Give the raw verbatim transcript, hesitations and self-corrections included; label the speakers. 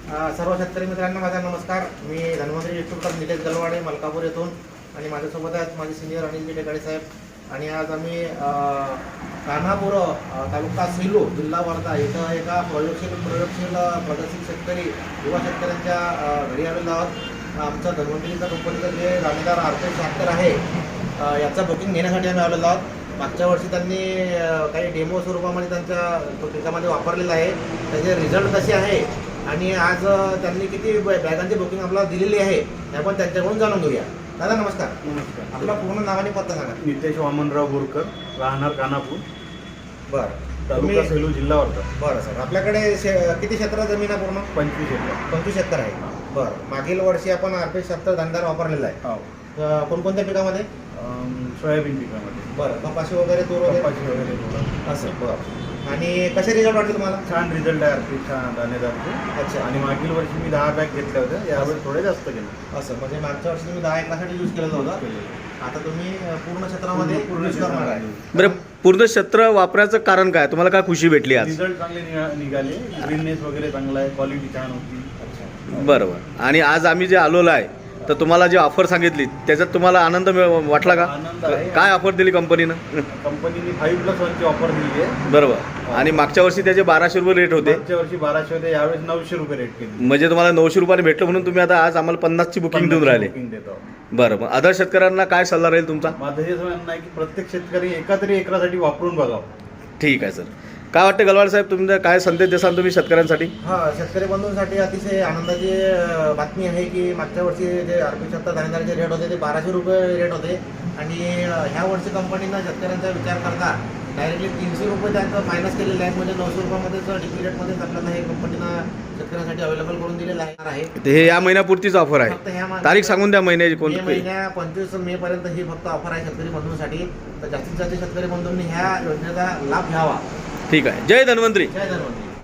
Speaker 1: अ, सर्व शेतकरी मित्रांना माझा नमस्कार. मी धन्वंतरी डिस्ट्रीब्युटर निलेश गलवाडे मलकापूर येथून आणि माझ्यासोबत आहेत माझे सिनियर अनिल टेकाळे साहेब. आणि आज आम्ही अ, कान्हापूर अ, तालुका सेलू जिल्हा वर्धा इथं एका प्रयोगशील प्रयोगशील प्रगतशील शेतकरी युवा शेतकऱ्यांच्या अ, घरी आलेलो आहोत. आमचा धन्वंतरीचा कंपनीचं जे दाणेदार आरपे ट्रॅक्टर आहे अ, याचं बुकिंग घेण्यासाठी आम्ही आलेलो आहोत. मागच्या वर्षी त्यांनी अ, काही डेमो स्वरूपामध्ये त्यांच्या पिकामध्ये वापरलेलं आहे. त्याचे रिझल्ट कसे आहे आणि आज अ, त्यांनी किती बॅ- बॅगांची बुकिंग आपल्याला दिलेली आहे हे आपण त्यांच्याकडून जाणून घेऊया. दादा नमस्कार.
Speaker 2: नमस्कार.
Speaker 1: आपला पूर्ण नाव आणि पत्ता सांगा.
Speaker 2: नितेश वामनराव बोरकर, राहणार कानापूर,
Speaker 1: बरं
Speaker 2: तालुका
Speaker 1: तुम्ही-
Speaker 2: सेलू, जिल्हा वर्धा.
Speaker 1: बरं सर, आपल्याकडे शे- किती क्षेत्र जमीन आहे पूर्ण?
Speaker 2: पंचवीस एकर.
Speaker 1: पंचवीस एकर आहे. बरं, मागील वर्षी आपण आरपी सत्तर दाणेदार वापरलेला आहे.
Speaker 2: हो.
Speaker 1: अ, कोणकोणत्या पिकामध्ये?
Speaker 2: अम, सोयाबीन पिकामध्ये
Speaker 1: बरं, कपाशी वगैरे तूर वगैरे
Speaker 2: कपाशी वगैरे थोडं.
Speaker 1: असं. बरं, आणि कसे रिझल्ट वाटले तुम्हाला?
Speaker 2: छान रिझल्ट आहे आरपी छान दाणेदारचे.
Speaker 1: अच्छा.
Speaker 2: आणि मागील वर्षी मी दहा बॅग घेतल्या होत्या, यावेळेस थोडे जास्त केले.
Speaker 1: असं म्हणजे मागच्या वर्षी तुम्ही दहा एकरासाठी यूज केलेलं होतं, आता तुम्ही अ, पूर्ण क्षेत्रामध्ये
Speaker 2: पूर्ण
Speaker 1: यूज करणार आहे.
Speaker 3: बरं, पूर्ण क्षेत्र वापरायचं कारण काय? तुम्हाला काय खुशी भेटली आज?
Speaker 2: रिझल्ट चांगले निघा- निघाले. ग्रीननेस वगैरे चांगला आहे, क्वालिटी छान होती.
Speaker 3: बरोबर. आणि आज आम्ही जे आलेलो आहे तर तुम्हाला जी ऑफर सांगितली त्याच्यात तुम्हाला आनंद मिळ- वाटला का?
Speaker 2: आनंद आहे.
Speaker 3: काय ऑफर दिली कंपनीनं?
Speaker 2: कंपनीने फाईव्ह प्लस वनची ऑफर दिली आहे.
Speaker 3: बरोबर. आणि मागच्या वर्षी त्याचे बाराशे रुपये रेट होते,
Speaker 2: मागच्या वर्षी बाराशे होते, यावेळेस नऊशे रुपये रेट केली.
Speaker 3: म्हणजे तुम्हाला नऊशे रुपयाने भेटलं म्हणून तुम्ही आता आज आम्हाला पन्नासची बुकिंग देऊन राहिले.
Speaker 2: बुकिंग देतो.
Speaker 3: बरं, मग अदर शेतकऱ्यांना काय सल्ला राहील तुमचा?
Speaker 2: माझं हेच म्हणणं आहे की प्रत्येक शेतकरी एका तरी एकरासाठी वापरून बघावं.
Speaker 3: ठीक आहे सर. काय वाटतं गलवाड साहेब, तुमचा काय संदेश देसाल तुम्ही शेतकऱ्यांसाठी?
Speaker 1: हा, शेतकरी बंधूंसाठी अतिशय आनंदाची अ, बातमी आहे की मागच्या वर्षी जे आरपी सत्तर दाणेदारचे रेट होते ते बाराशे रुपये रेट होते आणि अ, ह्या वर्षी कंपनीनं शेतकऱ्यांचा विचार करता डायरेक्टली तीनशे रुपये त्यांचं मायनस केलेले आहेत. म्हणजे नऊशे रुपयामध्येच डिपी रेटमध्येच आपल्याला हे कंपनीनं शेतकऱ्यांसाठी अवेलेबल करून दिलेलं आहे.
Speaker 3: ते हे या महिन्यापुरतीच ऑफर
Speaker 1: फक्त
Speaker 3: आहे.
Speaker 1: ह्या मा-
Speaker 3: तारीख सांगून द्या महिन्याची
Speaker 1: मे
Speaker 3: कोणती?
Speaker 1: महिन्या पंचवीस मे पर्यंत ही फक्त ऑफर आहे शेतकरी बंधूंसाठी. तर जास्तीत जास्त शेतकरी बंधूंनी ह्या योजनेचा लाभ घ्यावा.
Speaker 3: ठीक आहे. जय धन्वंतरी.
Speaker 1: जय धन्वंतरी.